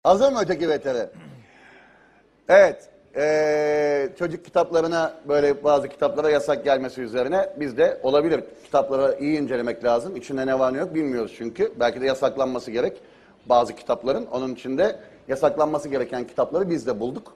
Hazır mı öteki veteri? Evet. Çocuk kitaplarına böyle bazı kitaplara yasak gelmesi üzerine biz de olabilir. Kitapları iyi incelemek lazım. İçinde ne var ne yok bilmiyoruz çünkü. Belki de yasaklanması gerek bazı kitapların. Onun için de yasaklanması gereken kitapları biz de bulduk.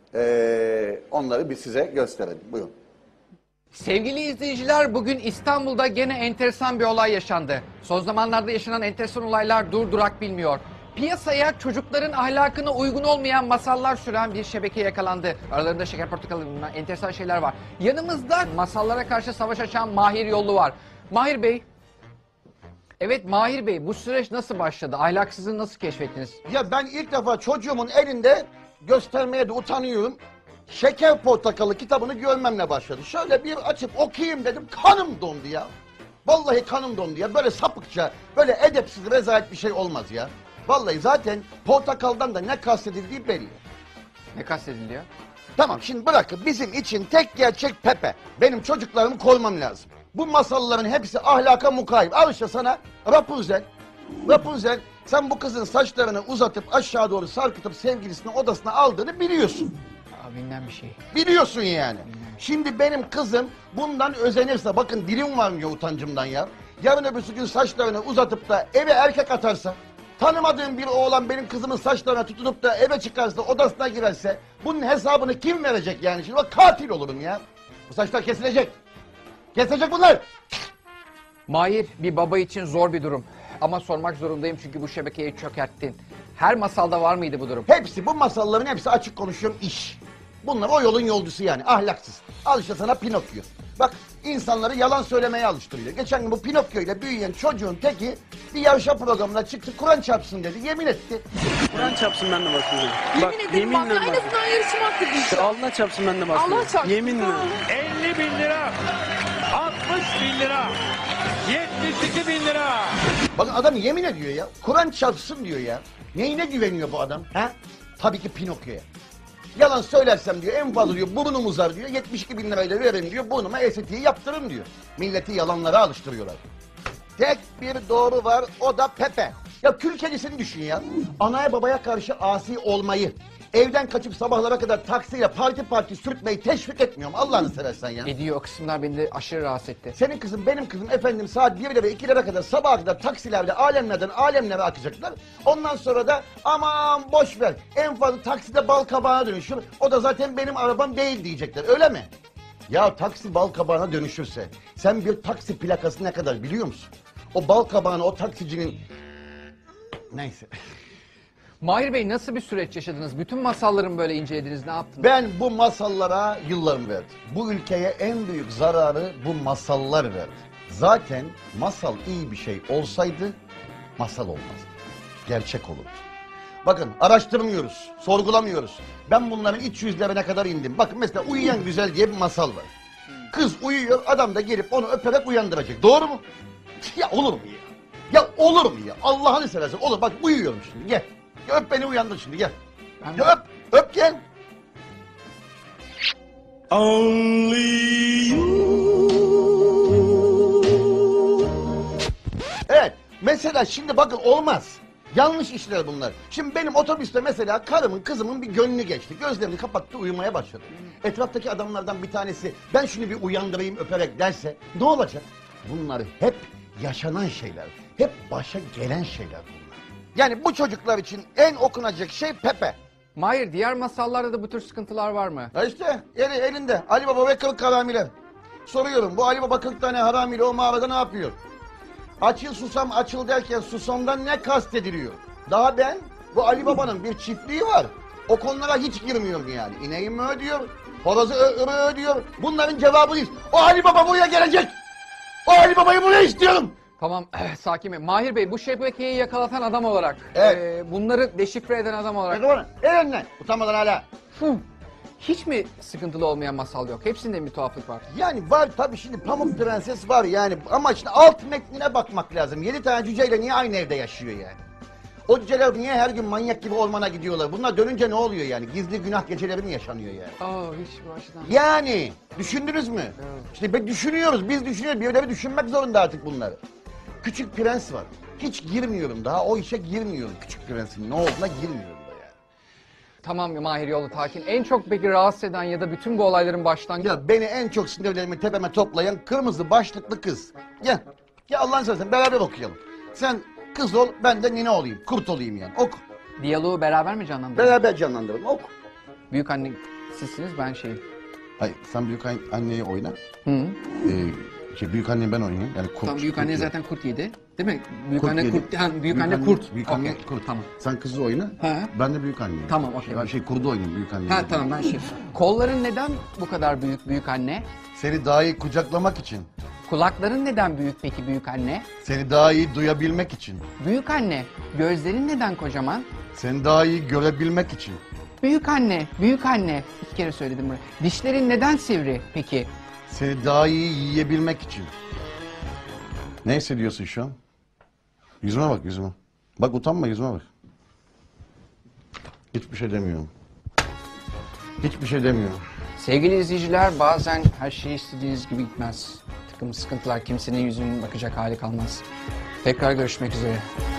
Onları bir size gösterelim. Buyurun. Sevgili izleyiciler, bugün İstanbul'da gene enteresan bir olay yaşandı. Son zamanlarda yaşanan enteresan olaylar durdurak bilmiyor. Piyasaya çocukların ahlakına uygun olmayan masallar süren bir şebeke yakalandı. Aralarında şeker portakalı bilmem enteresan şeyler var. Yanımızda masallara karşı savaş açan Mahir Yollu var. Mahir Bey, evet Mahir Bey, bu süreç nasıl başladı? Ahlaksızlığı nasıl keşfettiniz? Ya ben ilk defa çocuğumun elinde göstermeye de utanıyorum. Şeker Portakalı kitabını görmemle başladı. Şöyle bir açıp okuyayım dedim, kanım dondu ya. Vallahi kanım dondu ya. Böyle sapıkça, böyle edepsiz, rezalet bir şey olmaz ya. Vallahi zaten portakaldan da ne kastedildiği belli. Ne kastediliyor? Tamam, şimdi bırakın, bizim için tek gerçek Pepe. Benim çocuklarımı koymam lazım. Bu masalların hepsi ahlaka mukayyip. Al işte sana Rapunzel. Rapunzel, sen bu kızın saçlarını uzatıp aşağı doğru sarkıtıp sevgilisinin odasına aldığını biliyorsun. Bilmem bir şey. Biliyorsun yani. Şimdi benim kızım bundan özenirse, bakın dilim varmıyor utancımdan ya. Yarın öbürsü gün saçlarını uzatıp da eve erkek atarsa, tanımadığım bir oğlan benim kızımın saçlarına tutunup da eve çıkarsa, odasına girerse, bunun hesabını kim verecek yani? Şimdi bak, katil olurum ya. Bu saçlar kesilecek. Kesilecek bunlar. Mahir, bir baba için zor bir durum. Ama sormak zorundayım çünkü bu şebekeyi çökerttin. Her masalda var mıydı bu durum? Hepsi, bu masalların hepsi, açık konuşuyorum, iş. Bunlar o yolun yolcusu yani, ahlaksız. Al işte sana Pinokyo. Bak, insanları yalan söylemeye alıştırıyor. Geçen gün bu Pinokyo ile büyüyen çocuğun teki bir yarışma programına çıktı, Kur'an çarpsın dedi, yemin etti. Kur'an çarpsın, ben de basmayacağım. Yemin ederim bak, en azından yarışma hakkı değil. Allah çarpsın, ben de basmayacağım. Allah çarpsın. Yeminle. 50 bin lira, 60 bin lira, 72 bin lira. Bakın adam yemin ediyor ya, Kur'an çarpsın diyor ya. Neyine güveniyor bu adam? Ha? Tabii ki Pinokyo'ya. Yalan söylersem diyor, en fazla diyor burnum uzar diyor, 72 bin lirayla verin diyor, burnuma estetiği yaptırın diyor. Milleti yalanlara alıştırıyorlar. Tek bir doğru var, o da Pepe. Ya kül kedisini düşün ya. Anaya babaya karşı asi olmayı, evden kaçıp sabahlara kadar taksiyle parti sürtmeyi teşvik etmiyorum, Allah'ını seversen ya. Ediyor, o kısımlar beni de aşırı rahatsız etti. Senin kızın, benim kızım efendim saat 1'lere ve 2'lere kadar, sabaha kadar taksilerde alemlerden alemlere akacaklar. Ondan sonra da aman boş ver, en fazla takside bal kabağına dönüşür. O da zaten benim arabam değil diyecekler, öyle mi? Ya taksi bal kabağına dönüşürse sen bir taksi plakası ne kadar biliyor musun? O bal kabağını o taksicinin... Neyse. Mahir Bey, nasıl bir süreç yaşadınız? Bütün masalların böyle incelediniz, ne yaptınız? Ben bu masallara yıllarımı verdim. Bu ülkeye en büyük zararı bu masallar verdi. Zaten masal iyi bir şey olsaydı masal olmazdı. Gerçek olurdu. Bakın, araştırmıyoruz, sorgulamıyoruz. Ben bunların iç yüzlerine kadar indim. Bakın mesela Uyuyan Güzel diye bir masal var. Kız uyuyor, adam da gelip onu öperek uyandıracak. Doğru mu? Ya olur mu ya? Ya olur mu ya? Allah'ını seversen olur. Bak uyuyorum şimdi, gel. Ya öp beni, uyandır şimdi, gel. Ya öp, öp gel. Evet, mesela şimdi bakın olmaz. Yanlış işler bunlar. Şimdi benim otobüste mesela karımın, kızımın bir gönlü geçti. Gözlerini kapattı, uyumaya başladı. Etraftaki adamlardan bir tanesi ben şunu bir uyandırayım öperek derse ne olacak? Bunlar hep yaşanan şeyler. Hep başa gelen şeyler bunlar. Yani bu çocuklar için en okunacak şey Pepe. Mahir, diğer masallarda da bu tür sıkıntılar var mı? Ha işte elinde Ali Baba ve 40 haramiler. Soruyorum, bu Ali Baba 40 tane haramiyle o mağarada ne yapıyor? Açıl susam açıl derken susamdan ne kastediliyor? Daha ben, bu Ali Baba'nın bir çiftliği var. O konulara hiç girmiyorum yani. İneğim mi ödüyor? Horozu ödüyor? Bunların cevabı değil. O Ali Baba buraya gelecek. O Ali Baba'yı buraya istiyorum. Tamam, sakin Bey. Mahir Bey, bu şebekeyi yakalatan adam olarak, Evet. Bunları deşifre eden adam olarak... Bak bana, elinden. Utanmadan hala. Hiç mi sıkıntılı olmayan masal yok? Hepsinde bir tuhaflık var. Yani var tabii, şimdi Pamuk Prenses var yani, ama işte alt metnine bakmak lazım. 7 tane cüceyle niye aynı evde yaşıyor yani? O cüceler niye her gün manyak gibi ormana gidiyorlar? Bunlar dönünce ne oluyor yani? Gizli günah geceleri mi yaşanıyor yani? Hiç bu açıdan... Yani düşündünüz mü? Evet. İşte düşünüyoruz, biz düşünüyoruz. Birileri düşünmek zorunda artık bunları. Küçük Prens var. Hiç girmiyorum daha, o işe girmiyorum. Küçük Prens'in ne olduğuna girmiyorum da Tamam Mahir Yolutakin. En çok peki rahatsız eden ya da bütün bu olayların başlangıcı... Ya beni en çok sinirlerimi tepeme toplayan kırmızı başlıklı kız. Gel. Gel Allah'ını seversen beraber okuyalım. Sen kız ol, ben de nine olayım. Kurt olayım yani. Oku. Diyaloğu beraber mi canlandırın? Beraber canlandıralım. Oku. Büyük anne sizsiniz, ben şeyim. Hayır, sen büyük anneyi oyna. Hı. Büyük anneyi ben oynayayım. Yani kurt. Tamam, büyük anne zaten kurt yedi. Değil mi? Büyük Kurt anne yedi. kurt. Ha, büyük anne kurt. Büyük anne Okey, kurt. Tamam. Sen kızı oyna. Ha. Ben de büyük anneyim. Tamam, okey. Ben kurdu oynayayım büyük anneyi. Ha tamam, ben şey. Kolların neden bu kadar büyük büyük anne? Seni daha iyi kucaklamak için. Kulakların neden büyük peki büyük anne? Seni daha iyi duyabilmek için. Büyük anne, gözlerin neden kocaman? Seni daha iyi görebilmek için. Büyük anne, büyük anne. 2 kere söyledim bunu. Dişlerin neden sivri peki? Seni daha iyi yiyebilmek için. Ne hissediyorsun şu an? Yüzüme bak, yüzüme. Bak, utanma, yüzüme bak. Hiçbir şey demiyorum. Hiçbir şey demiyorum. Sevgili izleyiciler, bazen her şey istediğiniz gibi gitmez. Bir takım sıkıntılar, kimsenin yüzünün bakacak hali kalmaz. Tekrar görüşmek üzere.